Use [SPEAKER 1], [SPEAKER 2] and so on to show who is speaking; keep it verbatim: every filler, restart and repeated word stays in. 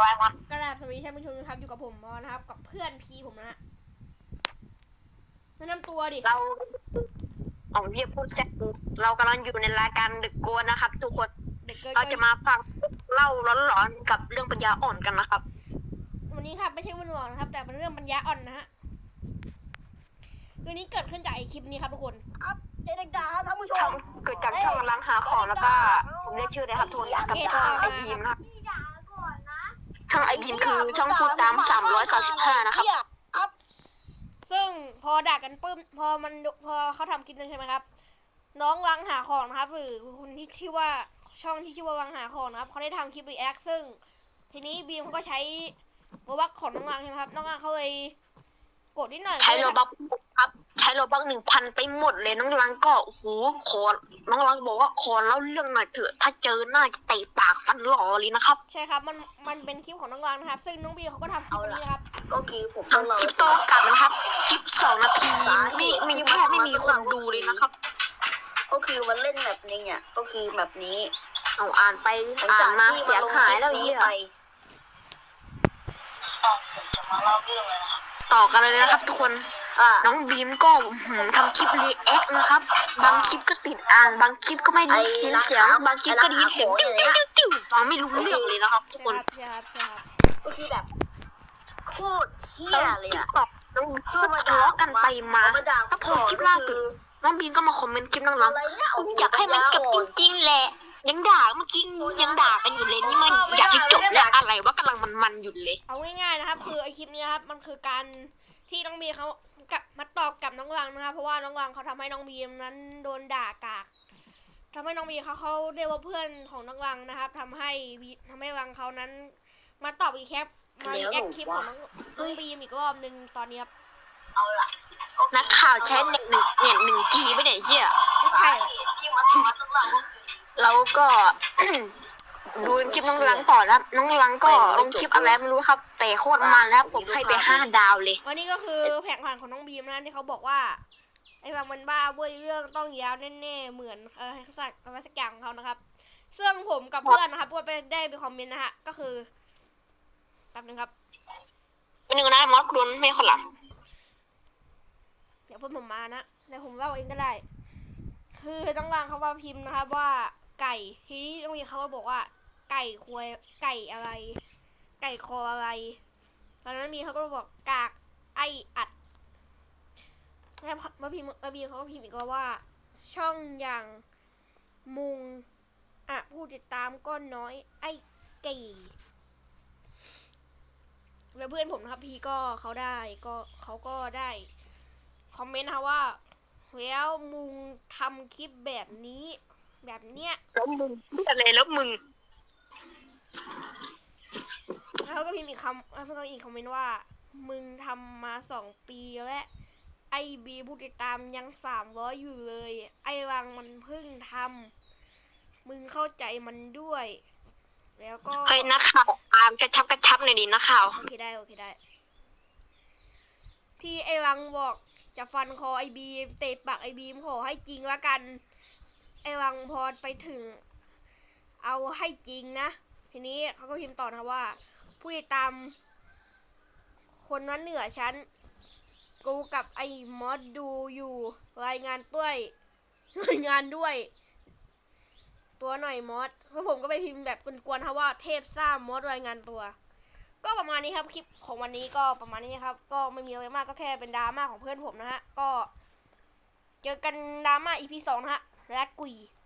[SPEAKER 1] กระดาษสวัสดีท่านผู้ชมนะครับอยู่กับผมมอนะครับกับเพื่อนพีผมนะฮะแนะนำตัวดิ
[SPEAKER 2] เราเอาเรียกพูดแซ่บเรากำลังอยู่ในรายการดึกโกนนะครับทุกคนเราจะมาฟังเล่าร้อนๆกับเรื่องปัญญาอ่อนกันนะครับ
[SPEAKER 1] วันนี้ครับไม่ใช่วันหลอนนะครับแต่เป็นเรื่องปัญญาอ่อนนะฮะตัวนี้เกิดขึ้นจากไอคลิปนี้ครับทุกคน
[SPEAKER 3] ครับเจเด็กด่าครับท่านผู้ชม
[SPEAKER 2] เกิดจากช่องกำลังหาของแล้วก็ผมเรียกชื่อเลยครับทุกคนกับช่องไอพีมนะครับช่องไอพีมคือช่องพูดตามสามร้อยสามสิบห้านะครับ
[SPEAKER 1] ซึ่งพอด่ากันปุ๊บพอมันพอเขาทำคลิปนั้นใช่ไหมครับน้องวังหาของนะครับหรือคนที่ชื่อว่าช่องที่ชื่อว่าวังหาของนะครับเขาได้ทำคลิปรีแอคซึ่งทีนี้บีมเขาก็ใช้โรบัคของน้องวังใช่ไหมครับน้องวังเขาเลยกดนิดหน่อย
[SPEAKER 2] ใช้โรบัคครับใช้โรบัคหนึ่งพันไปหมดเลยน้องรังก็โอ้โหขอน้องรังบอกว่าขอเล่าเรื่องหน่อยเถอะถ้าเจอหน้าจะเตะปากฟันหล่อเลยนะครับ
[SPEAKER 1] ใช่ครับมันมันเป็นคลิปของน้องวังนะครับซึ่งน้องบีมเขาก็ทำคลิปนี้นะครับ
[SPEAKER 3] ก็คือผม
[SPEAKER 2] ทำคลิปโตกลับนะครับคลิปสองนาทีไม่มีแค่ไม่มีคนดูเลยนะครับ
[SPEAKER 3] ก็คือมันเล่นแบบนี้อ่ะก็คือแบบนี้
[SPEAKER 2] เอาอ่านไปอ่านมาเสียหายแล้วเหี้ยต่อกันเลยนะครับทุกคนน้องบีมก็ทำคลิปรีแอคนะครับบางคลิปก็ติดอ่างบางคลิปก็ไม่ได้ยินเสียงบางคลิปก็ได้ยินเสียงติ้วติ้วติ้วฟังไม่รู้เรื่องเลยนะครับทุกคน
[SPEAKER 3] ก็คือแบบโคตรเหี้ยเลยอ่ะ
[SPEAKER 2] น้องชอบมาทะเลาะกันไปมาถ้าพอคลิปล่าสุดน้องบีมก็มาคอมเมนต์คลิปน้องๆอยากให้มันจบจริงๆแหละยังด่าเมื่อกี้ยังด่ากันอยู่เลยนี่มันอยากให้จบแล้วอะไรว่ากำลังมันๆอยู่เลย
[SPEAKER 1] เอาง่ายๆนะครับคือไอคลิปนี้ครับมันคือการที่น้องบีมเขากับมาตอบกับน้องวังนะครับเพราะว่าน้องวังเขาทำให้น้องบีมนั้นโดนด่ากากทำให้น้องบีมเขาเขาเรียกว่าเพื่อนของน้องวังนะครับทำให้ทำให้วังเขานั้นมาตอบอีกแคปมาแอคคลิปของน้องน้องบีมอีกรอบนึงตอนนี้ครับ
[SPEAKER 3] เอาล่ะ
[SPEAKER 2] นักข่าวใช้เน็ตหนึ่งเน็ตหนึ่งจีไม่ได้เหี้ย
[SPEAKER 1] ไม่ใช่
[SPEAKER 2] เราก็ดูคลิปน้องลังต่อแล้วน้องลังก็ลงคลิปอะไรไม่รู้ครับแต่โคตรมันแล้วผมให้ไปห้าดาวเลย
[SPEAKER 1] วันนี้ก็คือแผงผันของน้องบีมนะที่เขาบอกว่าไอ้วังมันบ้าเว้ยเรื่องต้องยาวแน่ๆเหมือนเออสักอะไรสักอย่างของเขานะครับซึ่งผมกับเพื่อนนะครับก็ไปได้ไปคอมเมนต์นะฮะก็คือแป๊บนึงครับ
[SPEAKER 2] เป็นหนึ่งนะมอสคุณไม่คนหลัง
[SPEAKER 1] เดี๋ยวเพื่อนผมมานะเดี๋ยวผมเล่าเองก็ได้คือต้องวางเขาว่าพิมพ์นะครับว่าไก่ทีนี้ตรงนี้เขาก็บอกว่าไก่ควยไก่อะไรไก่คออะไรตอนนั้นมีเขาก็บอกกากไออัดแล้วมาพิมพ์มาพิมพ์เขาก็พิมพ์อีกว่าช่องอย่างมุงอ่ะผู้ติดตามก็น้อยไอไก่แล้วเพื่อนผมนะครับพี่ก็เขาได้ก็เขาก็ได้คอมเมนต์นะว่าแล้วมึงทำคลิปแบบนี้แบบเนี้ย
[SPEAKER 2] แล้วมึงพูดอะไรแล้วมึง
[SPEAKER 1] แล้วก็พิมพ์อีกคำแล้วก็อีกคอมเมนต์ว่ามึงทำมาสองปีแล้วไอบีผู้ติดตามยังสามร้อยอยู่เลยไอวังมันเพิ่งทำมึงเข้าใจมันด้วยแล้วก็
[SPEAKER 2] เฮ้ยนักข่าวตามกระชับกระชับหน่อยดินักข่าว
[SPEAKER 1] โอเคได้โอเคได้ที่ไอวังบอกจะฟันคอไอบีมเตะปากไอบีมขอให้จริงละกันไอวังพอไปถึงเอาให้จริงนะทีนี้เขาก็พิมพ์ต่อนะว่าผู้ติดตามคนนั้นเหนือฉันกูกับไอมอสดูอยู่รายงานด้วยรายงานด้วยตัวหน่อยมอสเพราะผมก็ไปพิมพ์แบบกวนๆครับว่าเทพซ่ามอสรายงานตัวก็ประมาณนี้ครับคลิปของวันนี้ก็ประมาณนี้ครับก็ไม่มีอะไรมากก็แค่เป็นดราม่าของเพื่อนผมนะฮะก็เจอกันดราม่า อี พี สองนะฮะและกุย